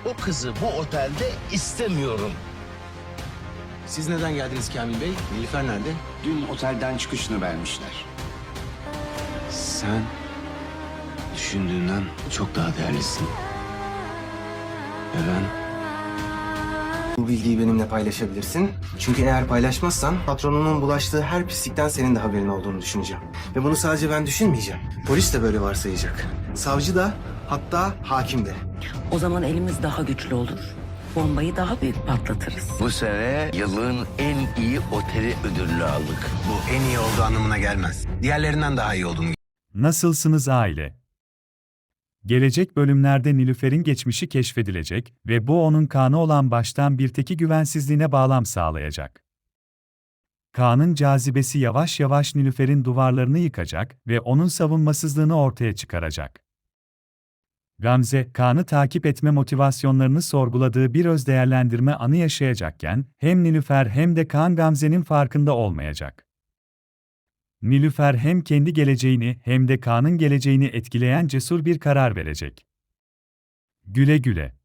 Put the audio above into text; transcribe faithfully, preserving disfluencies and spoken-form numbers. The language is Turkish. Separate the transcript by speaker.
Speaker 1: o kızı bu otelde istemiyorum.
Speaker 2: Siz neden geldiniz Kamil Bey? Nilüfer nerede?
Speaker 3: Dün otelden çıkışını vermişler.
Speaker 2: Sen düşündüğünden çok daha değerlisin. Ve ben... Bu bilgiyi benimle paylaşabilirsin. Çünkü eğer paylaşmazsan patronunun bulaştığı her pislikten senin de haberin olduğunu düşüneceğim. Ve bunu sadece ben düşünmeyeceğim. Polis de böyle varsayacak. Savcı da, hatta hakim de.
Speaker 4: O zaman elimiz daha güçlü olur. Bombayı daha büyük patlatırız.
Speaker 1: Bu sene yılın en iyi oteli ödülünü aldık.
Speaker 2: Bu en iyi olduğu anlamına gelmez. Diğerlerinden daha iyi olduğunu.
Speaker 5: Nasılsınız aile? Gelecek bölümlerde Nilüfer'in geçmişi keşfedilecek ve bu onun Kaan'a olan baştan bir teki güvensizliğine bağlam sağlayacak. Kaan'ın cazibesi yavaş yavaş Nilüfer'in duvarlarını yıkacak ve onun savunmasızlığını ortaya çıkaracak. Gamze, Kaan'ı takip etme motivasyonlarını sorguladığı bir öz değerlendirme anı yaşayacakken, hem Nilüfer hem de Kaan Gamze'nin farkında olmayacak. Nilüfer hem kendi geleceğini hem de Kaan'ın geleceğini etkileyen cesur bir karar verecek. Güle güle.